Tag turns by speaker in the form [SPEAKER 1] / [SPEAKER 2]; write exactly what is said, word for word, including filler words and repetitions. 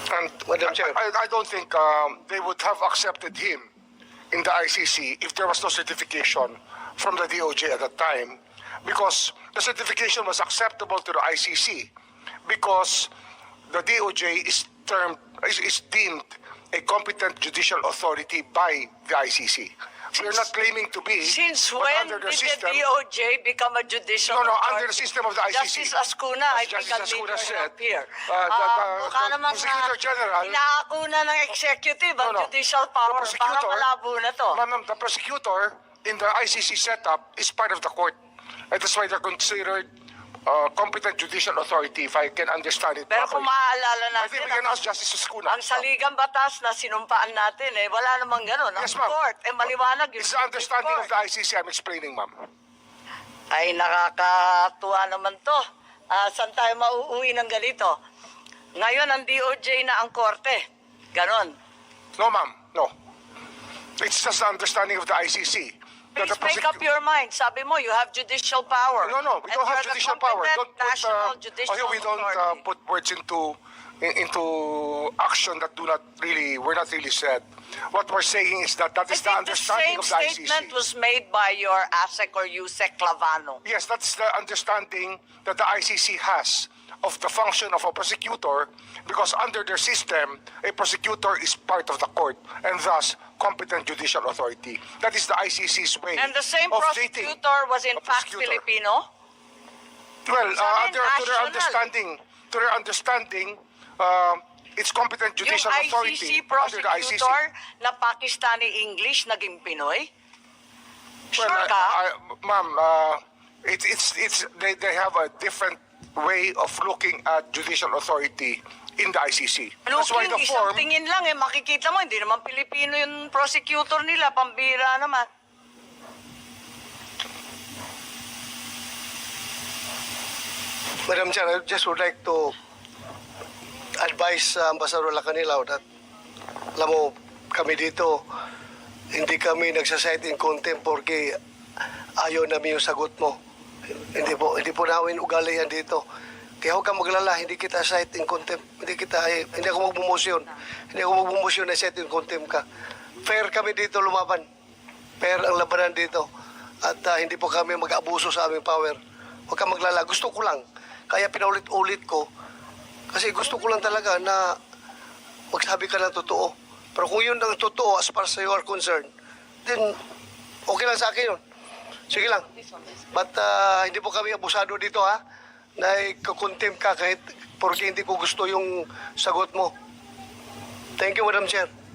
[SPEAKER 1] And
[SPEAKER 2] Madam Chair.
[SPEAKER 1] I, I don't think um, they would have accepted him in the I C C if there was no certification from the D O J at that time, because the certification was acceptable to the I C C because the D O J is termed is, is deemed a competent judicial authority by the I C C. We're not claiming to be.
[SPEAKER 3] Since
[SPEAKER 1] but
[SPEAKER 3] when
[SPEAKER 1] under
[SPEAKER 3] did
[SPEAKER 1] the system,
[SPEAKER 3] the D O J become a judicial
[SPEAKER 1] No, no,
[SPEAKER 3] authority?
[SPEAKER 1] under the system of the I C C.
[SPEAKER 3] Justice Ascuna, I
[SPEAKER 1] As
[SPEAKER 3] think
[SPEAKER 1] Justice
[SPEAKER 3] I'll
[SPEAKER 1] Ascuna
[SPEAKER 3] leave
[SPEAKER 1] said,
[SPEAKER 3] up here.
[SPEAKER 1] uh, the- the-
[SPEAKER 3] mukha
[SPEAKER 1] the
[SPEAKER 3] namang
[SPEAKER 1] Prosecutor
[SPEAKER 3] ah,
[SPEAKER 1] General-
[SPEAKER 3] inaakuna ng executive ang
[SPEAKER 1] No, no.
[SPEAKER 3] judicial power.
[SPEAKER 1] The
[SPEAKER 3] Parang
[SPEAKER 1] prosecutor-
[SPEAKER 3] malabo na to.
[SPEAKER 1] Ma'am, ma'am, the prosecutor in the I C C setup is part of the court. And that's why they're considered uh, competent judicial authority, if I can understand it
[SPEAKER 3] Pero kung
[SPEAKER 1] properly.
[SPEAKER 3] maaalala
[SPEAKER 1] I
[SPEAKER 3] natin,
[SPEAKER 1] think we can
[SPEAKER 3] ang,
[SPEAKER 1] ask Justice Ascuna.
[SPEAKER 3] ang saligang batas na sinumpaan natin, eh, wala namang ganun. Ang
[SPEAKER 1] Yes, ma'am.
[SPEAKER 3] court, eh, maliwanag yung
[SPEAKER 1] It's the understanding
[SPEAKER 3] court.
[SPEAKER 1] of the I C C I'm explaining, ma'am.
[SPEAKER 3] Ay, nakakatuwa naman to. Ah, saan tayo mauuwi ng ganito? Ngayon, ang D O J na ang korte. Ganon.
[SPEAKER 1] No, ma'am, no. It's just the understanding of the I C C. that
[SPEAKER 3] Please
[SPEAKER 1] the
[SPEAKER 3] make
[SPEAKER 1] prosecu-
[SPEAKER 3] up your mind. Sabi mo, you have judicial power.
[SPEAKER 1] No, no, we
[SPEAKER 3] And
[SPEAKER 1] don't have
[SPEAKER 3] you're the
[SPEAKER 1] judicial power.
[SPEAKER 3] competent
[SPEAKER 1] Don't put,
[SPEAKER 3] national
[SPEAKER 1] uh,
[SPEAKER 3] judicial
[SPEAKER 1] oh, here we don't uh,
[SPEAKER 3] authority.
[SPEAKER 1] put words into in, into action that do not really were not really said. What we're saying is that that
[SPEAKER 3] I
[SPEAKER 1] is the
[SPEAKER 3] think the
[SPEAKER 1] understanding
[SPEAKER 3] same
[SPEAKER 1] of the I C C.
[SPEAKER 3] statement was made by your A S E C or U S E C Clavano.
[SPEAKER 1] Yes, that's the understanding that the I C C has of the function of a prosecutor, because under their system, a prosecutor is part of the court and thus competent judicial authority. That is the I C C's way
[SPEAKER 3] And the same
[SPEAKER 1] of treating
[SPEAKER 3] prosecutor was in
[SPEAKER 1] a
[SPEAKER 3] fact
[SPEAKER 1] prosecutor.
[SPEAKER 3] Filipino.
[SPEAKER 1] Well,
[SPEAKER 3] Sa
[SPEAKER 1] uh,
[SPEAKER 3] akin,
[SPEAKER 1] under, to their
[SPEAKER 3] national.
[SPEAKER 1] understanding, to their understanding, uh, it's competent judicial
[SPEAKER 3] Yung
[SPEAKER 1] authority
[SPEAKER 3] I C C
[SPEAKER 1] under the I C C.
[SPEAKER 3] prosecutor na Pakistani English naging Pinoy. Sure
[SPEAKER 1] Well,
[SPEAKER 3] ka?
[SPEAKER 1] I, I, ma'am, uh, it, it's it's they, they have a different way of looking at judicial authority in the I C C. That's why
[SPEAKER 3] Looking,
[SPEAKER 1] the
[SPEAKER 3] isang
[SPEAKER 1] form.
[SPEAKER 3] tingin lang eh, makikita mo, hindi naman Pilipino yung prosecutor nila, pambira naman.
[SPEAKER 2] Madam Chair, I just would like to advise uh, Ambassador Lacanilaw that, alam mo, kami dito, hindi kami nagsasite in contempt porque ayaw namin yung sagot mo. Hindi po, hindi po namin ugali yan dito. Kaya huwag kang maglala, hindi kita cite in contempt. Hindi kita, eh, hindi ako magmumosyon. Hindi ako magmumosyon na cite in contempt ka. Fair kami dito lumaban. Fair ang labanan dito. At uh, hindi po kami mag-abuso sa aming power. Huwag kang maglala. Gusto ko lang. Kaya pinaulit-ulit ko. Kasi gusto ko lang talaga na magsabi ka ng totoo. Pero kung yun ang totoo as far as you are concerned, then okay lang sa akin yun. Sige lang. But uh, hindi po kami abusado dito ha. Na ikakontempt ka kahit porque hindi ko gusto yung sagot mo. Thank you, Madam Chair.